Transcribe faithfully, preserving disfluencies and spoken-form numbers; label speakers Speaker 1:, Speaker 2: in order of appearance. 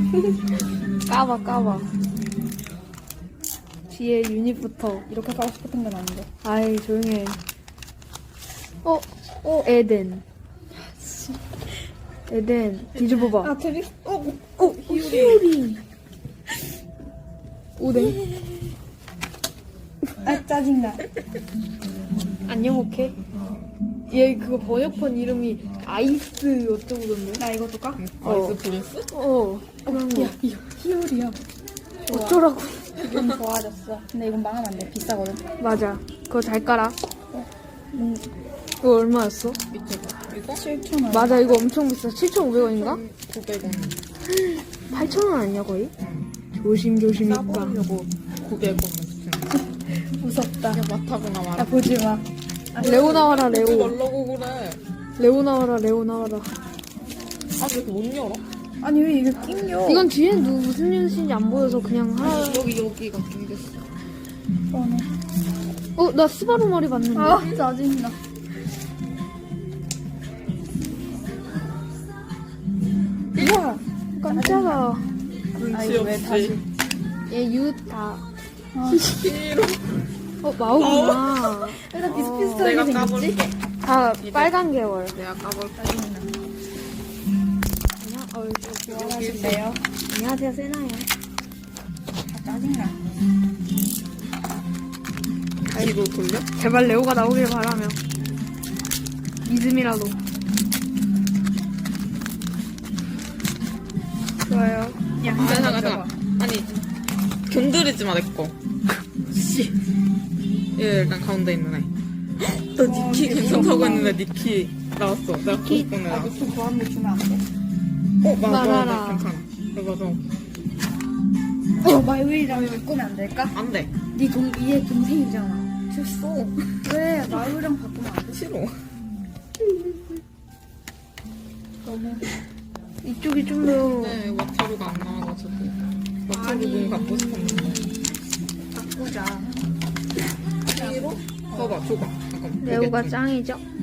Speaker 1: 까봐 까봐. 뒤에 유닛부터.
Speaker 2: 이렇게 가고 싶었던 건 아닌데.
Speaker 1: 아이 조용해. 어? 어 에덴. 에덴 뒤집어봐.
Speaker 2: 아, 드리, 어,
Speaker 1: 어 히오리. 오뎅.
Speaker 2: 아, 짜증나.
Speaker 1: 안녕 오케이. 얘 그거 번역판 이름이 아이스 어쩌고던데.
Speaker 2: 나 이거 줄까?
Speaker 3: 아이스 프린스?
Speaker 1: 어 그런 거.
Speaker 2: 야, 이거 히어리야.
Speaker 1: 어쩌라고.
Speaker 2: 기분 좋아졌어. 근데 이건 망하면 안 돼. 비싸거든.
Speaker 1: 맞아. 그거 잘 깔아.
Speaker 2: 음,
Speaker 1: 그거 얼마였어?
Speaker 3: 밑에 봐. 이거?
Speaker 2: 칠천 원.
Speaker 1: 맞아 이거 엄청 비싸. 칠천오백 원인가?
Speaker 3: 구백 원.
Speaker 1: 팔천 원 아니야 거의? 조심조심 있다.
Speaker 3: 싸보려고 구백 원 냈지.
Speaker 2: 무섭다.
Speaker 3: 야, 맡아보나
Speaker 2: 나
Speaker 3: 말아.
Speaker 2: 보지 마.
Speaker 1: 레오 나와라
Speaker 3: 보지
Speaker 1: 레오.
Speaker 3: 말라고 그래.
Speaker 1: 레오 나와라 레오 나와라.
Speaker 3: 아, 왜 이렇게 못 열어?
Speaker 2: 아니, 왜 이게 낑겨?
Speaker 1: 이건 뒤에 누 무슨 뉴스인지 안 보여서 그냥 하나.
Speaker 3: 여기, 여기가 낑겼어.
Speaker 2: 뻔해.
Speaker 1: 어 나 스바루 머리 봤는데.
Speaker 2: 아, 짜증나. 우와.
Speaker 1: 깜짝아.
Speaker 2: 아,
Speaker 3: 눈치
Speaker 2: 이거 왜
Speaker 3: 없이.
Speaker 2: 다시.
Speaker 1: 얘 유타.
Speaker 3: 싫어.
Speaker 1: 어 마오구나.
Speaker 2: 일단 비슷비슷하게
Speaker 3: 내가
Speaker 2: 생겼지?
Speaker 3: 까볼게.
Speaker 1: 다 빨간 계열.
Speaker 3: 내가 까볼게.
Speaker 1: 그냥 어
Speaker 2: 좋아하실래요?
Speaker 1: 안녕하세요 세나예요.
Speaker 2: 아, 짜증나.
Speaker 3: 뒤로 돌려?
Speaker 1: 제발 레오가 나오길 바라며. 믿음이라도. 좋아요.
Speaker 2: 야,
Speaker 3: 아, 잠깐, 잠깐. 아니, 견드리지 마, 내 거. 씨. 얘 일단 가운데 있는 애. 나 니키 괜찮다고 했는데 니키 나왔어. 내가 보고 싶은
Speaker 2: 아,
Speaker 3: 애야.
Speaker 2: 미친 보안물 주면 안 돼?
Speaker 3: 어, 맞아,
Speaker 1: 말아라.
Speaker 3: 맞아. 괜찮아. 그래, 맞아.
Speaker 2: 어, 마이웨이랑 바꾸면 안 될까?
Speaker 3: 안 돼.
Speaker 2: 네 동, 얘 동생이잖아. 됐어. 왜 마이웨이랑 바꾸면 안 돼?
Speaker 3: 싫어.
Speaker 2: 너무.
Speaker 1: 이쪽이 좀 더.
Speaker 3: 네, 와타루가 안 나와가지고. 와타루 문 갖고 싶었는데.
Speaker 2: 바꾸자.
Speaker 3: 싫어? 봐봐, 줘봐. 잠깐만.
Speaker 1: 레오가
Speaker 3: 보겠지?
Speaker 1: 짱이죠?